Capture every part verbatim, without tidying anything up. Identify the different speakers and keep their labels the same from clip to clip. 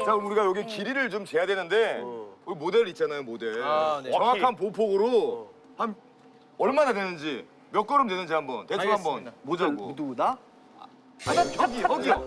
Speaker 1: 자, 그럼 우리가 여기 길이를 좀 재야 되는데 여기 모델 있잖아요, 모델.
Speaker 2: 아, 네.
Speaker 1: 정확한 보폭으로 한 얼마나 되는지 몇 걸음 되는지 한번 대충 한번 보자고.
Speaker 3: 누구 나?
Speaker 1: 여기, 여기요.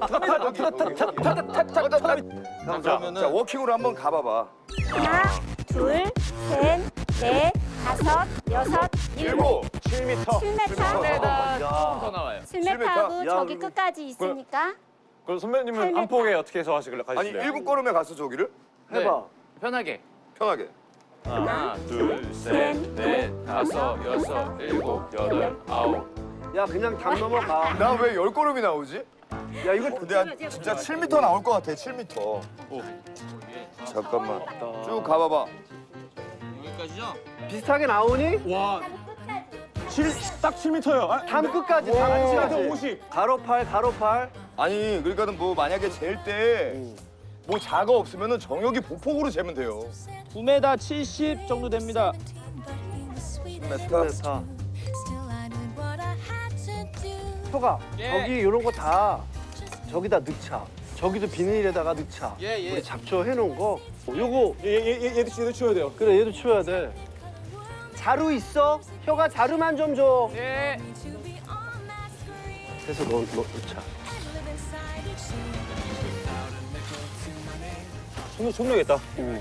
Speaker 1: 자, 자, 워킹으로 한번 가봐봐.
Speaker 4: 하나, 둘, 셋, 넷, 다섯, 여섯, 일곱.
Speaker 1: 일곱.
Speaker 2: 칠 미터.
Speaker 4: 칠 미터.
Speaker 2: 칠미터보다 조금 더 나와요.
Speaker 4: 칠 미터하고
Speaker 3: 야,
Speaker 4: 저기
Speaker 3: 그리고-
Speaker 4: 끝까지 있으니까
Speaker 2: 그럼 선배님은
Speaker 4: 팔 미터.
Speaker 2: 안폭에 어떻게 해서 하시길래
Speaker 1: 아니,
Speaker 2: 가실래요?
Speaker 1: 일곱 걸음에 갔어, 저기를?
Speaker 3: 해봐.
Speaker 2: 편하게.
Speaker 1: 편하게.
Speaker 2: 하나, 둘, 셋, 넷, 다섯, 여섯, 일곱, 여덟, 아홉.
Speaker 3: 야 그냥 담 넘어가.
Speaker 1: 나 왜 열 걸음이 나오지?
Speaker 3: 야 이거
Speaker 1: 근데 한 진짜 칠 미터 나올 것 같아, 칠 미터. 잠깐만. 쭉 가봐봐.
Speaker 3: 비슷하게 나오니?
Speaker 2: 와, 딱 칠 미터요. 아,
Speaker 3: 담 끝까지
Speaker 1: 와.
Speaker 3: 담
Speaker 2: 칠 미터
Speaker 3: 끝까지.
Speaker 2: 오십.
Speaker 3: 가로팔 가로팔.
Speaker 1: 아니, 그러니까는 뭐 만약에 잴 때 뭐 자가 없으면은 정혁이 보폭으로 재면 돼요.
Speaker 5: 구 미터 칠십 정도 됩니다.
Speaker 1: 메타.
Speaker 3: 자, 효가
Speaker 5: 예.
Speaker 3: 저기 이런 거 다 저기다 넣자. 저기도 비닐에다가 넣자.
Speaker 5: 예, 예.
Speaker 3: 우리 잡초 해놓은 거. 요거
Speaker 2: 얘, 얘, 얘, 얘도 얘도 치워야 돼요.
Speaker 3: 그래 얘도 치워야 돼. 자루 있어? 효가 자루만 좀 줘.
Speaker 5: 예.
Speaker 3: 해서 넣, 넣, 넣자.
Speaker 2: 손, 손 내겠다.
Speaker 3: 응.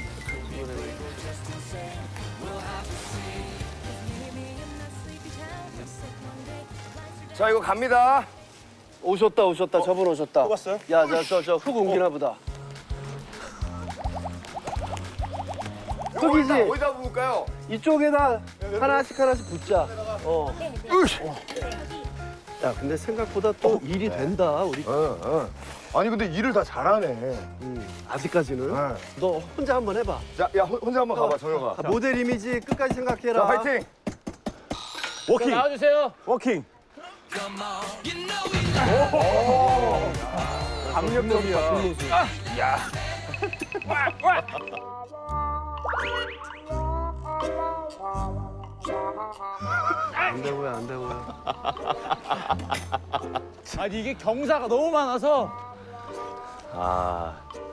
Speaker 1: 자, 이거 갑니다.
Speaker 3: 오셨다 오셨다 저분 오셨다.
Speaker 2: 또 갔어요?
Speaker 3: 야 저 저 저 흙 옮기나 보다. 흙이지?
Speaker 1: 어디다, 어디다 부을까요?
Speaker 3: 이쪽에다 하나씩 하나씩 붙자. 어.
Speaker 1: 으이씨.
Speaker 3: 야 근데 생각보다 또 일이 된다 우리.
Speaker 1: 어, 어. 아니, 근데 일을 다 잘하네.
Speaker 3: 음, 아직까지는.
Speaker 1: 네.
Speaker 3: 너 혼자 한번 해봐.
Speaker 1: 자, 야, 혼- 혼자 한번 가봐, 정혁아.
Speaker 3: 아, 모델 이미지 끝까지 생각해라.
Speaker 1: 자, 파이팅!
Speaker 2: 워킹.
Speaker 5: 나와주세요.
Speaker 2: 워킹.
Speaker 1: 강력적이야.
Speaker 3: 안 되고요 안 되고요.
Speaker 5: 아니 이게 경사가 너무 많아서
Speaker 2: 아,